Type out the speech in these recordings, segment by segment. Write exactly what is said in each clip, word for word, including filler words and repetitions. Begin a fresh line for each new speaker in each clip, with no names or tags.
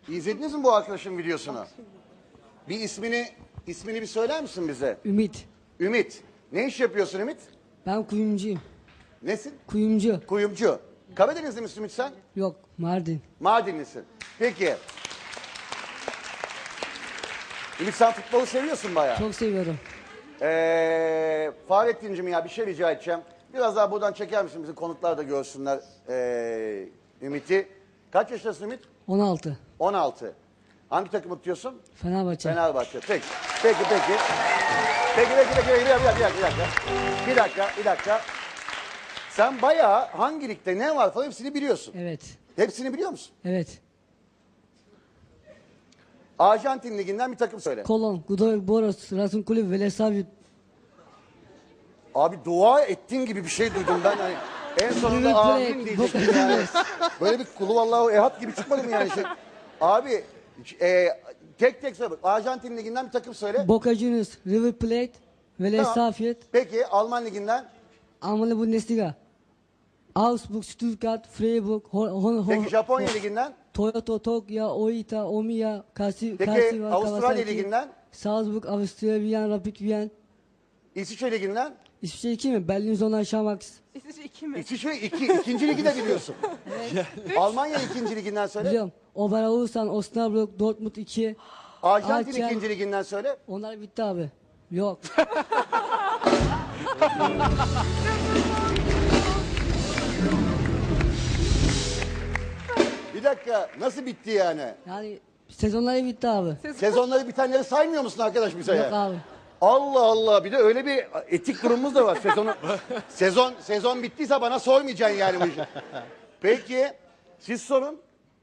İzlediniz mi bu arkadaşın videosunu? Bir ismini ismini bir söyler misin bize?
Ümit.
Ümit. Ne iş yapıyorsun Ümit?
Ben kuyumcuyum.
Nesin?
Kuyumcu.
Kuyumcu. Karadenizli misin Ümit sen?
Yok, Mardin.
Mardinlisin. Peki. Ümit sen futbolu seviyorsun bayağı.
Çok seviyorum.
Ee, Fahrettin'cim ya bir şey rica edeceğim. Biraz daha buradan çeker misin? Bizim konuklar da görsünler ee, Ümit'i. Kaç yaşındasın Ümit?
on altı.
on altı. Hangi takımı tutuyorsun?
Fenerbahçe.
Fenerbahçe. Peki. Peki peki. Peki peki peki. Bir dakika bir dakika bir dakika. Bir dakika bir dakika. Sen bayağı hangi ligde ne var falan hepsini biliyorsun.
Evet.
Hepsini biliyor musun?
Evet.
Arjantin liginden bir takım söyle.
Kolon, Godoy Boros, Rasun Kulüp, Velesavit.
Abi dua ettiğin gibi bir şey duydum ben. Hani en sonunda
River
amin
Plate,
diyecektim
Boca
yani.
Juniors.
Böyle bir kulu vallahi ehad gibi çıkmadı mı yani? Şey. Abi e, tek tek söyle. Arjantin liginden bir takım söyle.
Boca Juniors, River Plate, Velesavit,
Peki Alman liginden.
Almanya Bundesliga. Augsburg, Stuttgart, Freiburg, Hon Hon
Peki
Hon
Japonya liginden.
Toyota, Tokyo, Oita, Omiya, Kasi,
Peki
Kasiwa,
Avustralya
Kawasaki,
liginden.
Salzburg, Avusturya, Wien, Rapid Wien.
İsviçre liginden.
İsviçre iki mi? Berlin Zona, Şamax.
İsviçre iki mi?
İsviçre iki, ikinci ligi de biliyorsun. Almanya ikinci liginden söyle.
Biliyorum. Oberhausen, Osnabrück, Dortmund iki.
Arjantin
Alçak.
ikinci liginden söyle.
Onlar bitti abi. Yok.
Bir dakika nasıl bitti yani?
Yani sezonları bitti abi.
Sezonları bitenleri saymıyor musun arkadaş bize
Yok
ya?
abi.
Allah Allah bir de öyle bir etik durumumuz da var. Sezonu, sezon sezon bittiyse bana sormayacaksın yani bu işi. Peki siz sorun.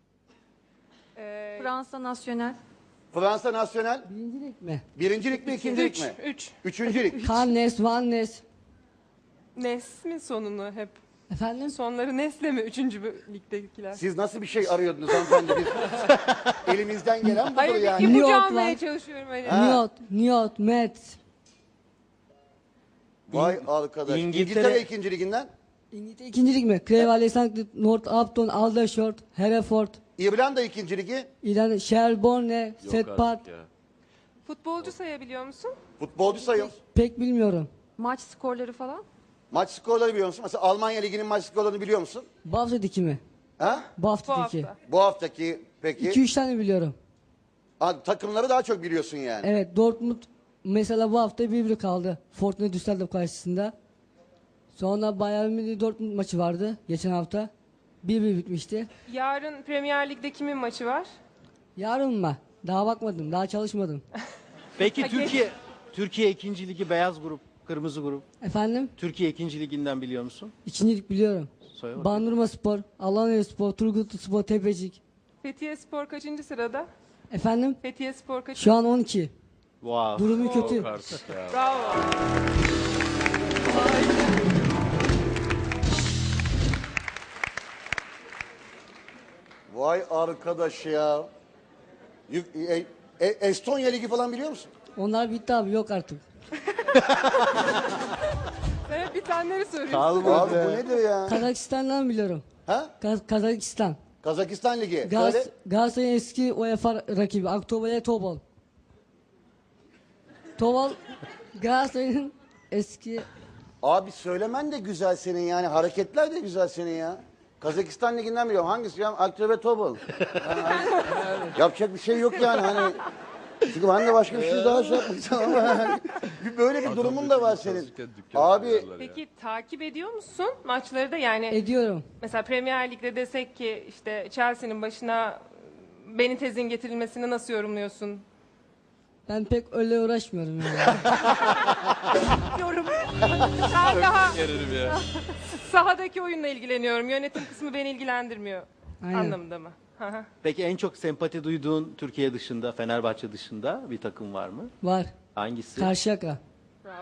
Fransa Nasyonel.
Fransa Nasyonel
Birincilik mi?
birincilik mi ikincilik
Üç.
mi?
Üç.
Üçüncülük.
Cannes, Vannes.
Nes mi sonunu hep?
Efendim?
Sonları Nes'le mi? Üçüncü bö- ligdekiler.
Siz nasıl bir şey arıyordunuz hanımefendi? Biz, elimizden gelen budur
Hayır bir
yani.
New
ipucu
York
almaya
var.
çalışıyorum. Hani.
Ha.
Niot, Niot, Metz.
Vay arkadaş.
İngiltere-
İngiltere ikinci liginden.
İngiltere ikincilik mi? Crevale, Sankт, Northampton, Aldershot, Hereford.
İrlanda ikinci ligi.
İran, Shelbourne, Setpat.
Futbolcu sayabiliyor musun?
Futbolcu sayın.
Pek bilmiyorum.
Maç skorları falan?
Maç skorları biliyor musun? Mesela Almanya liginin maç skorlarını biliyor musun?
Bafra'daki mi?
Ha?
Bu
Bu
haftaki.
hafta.
Bu haftaki peki.
iki üç tane biliyorum.
Ha, takımları daha çok biliyorsun yani.
Evet, Dortmund mesela bu hafta bir bir kaldı. Fortuna Düsseldorf karşısında. Sonra Bayern Münih Dortmund maçı vardı geçen hafta. bir bir bitmişti.
Yarın Premier Lig'de kimin maçı var?
Yarın mı? Daha bakmadım, daha çalışmadım.
Peki
Ha,
Türkiye Türkiye ikinci ligi beyaz grup, kırmızı grup.
Efendim?
Türkiye ikinci liginden biliyor musun?
İkincilik biliyorum.
Söyle bakayım.
Bandırma Spor, Alanya Spor, Turgutlu Spor, Tepecik.
Fethiye Spor kaçıncı sırada?
Efendim?
Fethiye Spor kaçıncı?
Şu an on iki.
Wow.
Durumu kötü.
Bravo.
Vay arkadaş ya. Yük- e- e- Estonya ligi falan biliyor musun?
Onlar bitti abi, yok artık.
Sen hep bitenleri soruyorsun.
Kalmadı.
Abi bu nedir ya?
Kazakistan'dan biliyorum.
Ha?
Kaz- Kazakistan.
Kazakistan ligi.
Gaz
Söyle.
Galatasaray'ın eski UEFA rakibi Aktober'e Tobol. Tobol Galatasaray'ın eski
Abi söylemen de güzel senin yani. Hareketler de güzel senin ya. Kazakistan liginden biliyorum. Hangisi ya? Aktive Tobol. Yani hani- yapacak bir şey yok yani hani. Çünkü ben de başka bir şey daha şey yapmayacağım ama yani bir böyle bir durumun da var senin. Abi
Peki takip ediyor musun maçları da yani?
ediyorum.
Mesela Premier Lig'de desek ki işte Chelsea'nin başına Benitez'in getirilmesini nasıl yorumluyorsun?
Ben pek öyle uğraşmıyorum yani.
Yorum. Ben daha sahadaki oyunla ilgileniyorum. Yönetim kısmı beni ilgilendirmiyor.
Aynen.
Anlamında mı? Hı hı.
Peki en çok sempati duyduğun Türkiye dışında, Fenerbahçe dışında bir takım var mı?
Var.
Hangisi?
Karşıyaka.
Bravo.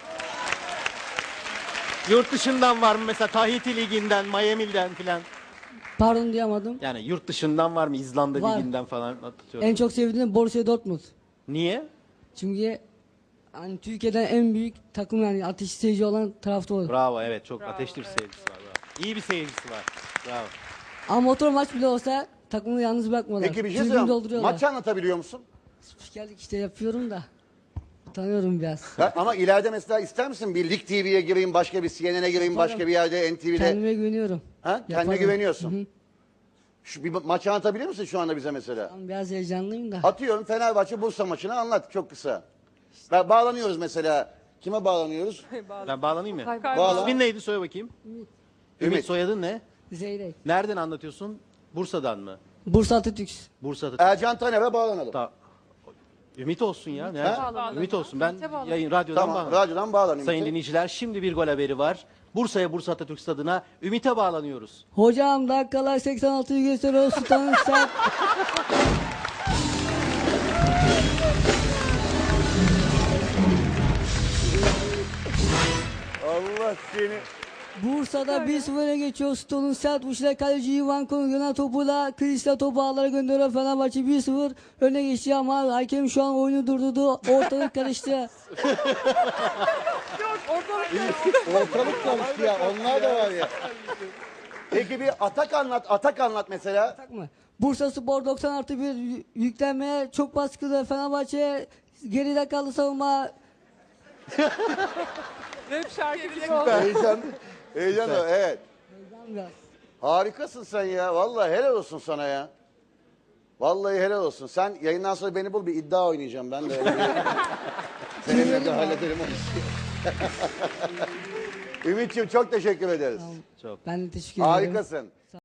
Yurt dışından var mı? Mesela Tahiti liginden, Miami'den filan.
Pardon diyamadım.
Yani yurt dışından var mı? İzlanda
Var.
liginden falan atıyorum.
En çok sevdiğim Borussia Dortmund.
Niye?
Çünkü hani Türkiye'den en büyük takım, yani ateş seyirci olan tarafta olur.
Bravo, evet çok
Bravo,
ateşli bir
evet,
seyircisi var. Bravo. İyi bir seyircisi var. Bravo.
Ama motor maç bile olsa takımı yalnız bırakmıyorlar.
Peki bir şey
Tribün
söyleyeyim.
dolduruyorlar.
Maç anlatabiliyor musun?
Spikerlik işte yapıyorum da. Tanıyorum biraz.
Ha, ama ileride mesela ister misin bir Lig T V'ye gireyim, başka bir C N N'e gireyim,
Yaparım.
başka bir yerde N T V'de?
Kendime güveniyorum.
Ha? Kendine
Yaparım.
güveniyorsun.
Hı hı.
Şu bir maç anlatabiliyor musun şu anda bize mesela?
Tamam, biraz heyecanlıyım da.
Atıyorum Fenerbahçe Bursa maçını anlat çok kısa. Ba- bağlanıyoruz mesela. Kime bağlanıyoruz?
Ben bağlanayım mı?
Bağla.
İsmin neydi söyle bakayım. Ümit.
Ümit.
Soyadın ne?
Zeyrek.
Nereden anlatıyorsun? Bursa'dan mı?
Bursa Atatürk.
Bursa'da.
Ercan Taner'e bağlanalım.
Ta- Ümit olsun ya. Nerede?
bağlanalım.
Ümit olsun. Ben
Ümit'e bağlanalım.
yayın radyodan
Tamam,
bağlanıyorum.
radyodan bağlanayım.
Sayın dinleyiciler şimdi bir gol haberi var. Bursa'ya Bursa Atatürk Stadı'na Ümit'e bağlanıyoruz.
Hocam dakikalar seksen altıyı gösteriyor. Sultanın sert.
Allah seni.
Bursa'da bir sıfır öne geçiyor. Stone'un sert vuruşuyla kaleci Ivan Konu yönen topuyla Kristal topu ağlara gönderiyor. Fenerbahçe bir sıfır öne geçti ama hakem şu an oyunu durdurdu. Ortalık karıştı.
Ortalık karıştı ya. Onlar da var ya. Peki bir atak anlat. Atak anlat mesela.
Tak mı? Bursa Spor doksan artı bir yü- yüklenmeye çok baskılı. Fenerbahçe geride kaldı savunma.
Rap şarkı gibi oldu.
Heyecan. Heyecan da evet.
Biraz.
Harikasın sen ya. Vallahi helal olsun sana ya. Vallahi helal olsun. Sen yayından sonra beni bul bir iddia oynayacağım ben de. Seninle de hallederim o işi. Ümit'ciğim çok teşekkür ederiz.
Ben de teşekkür ederim.
Harikasın.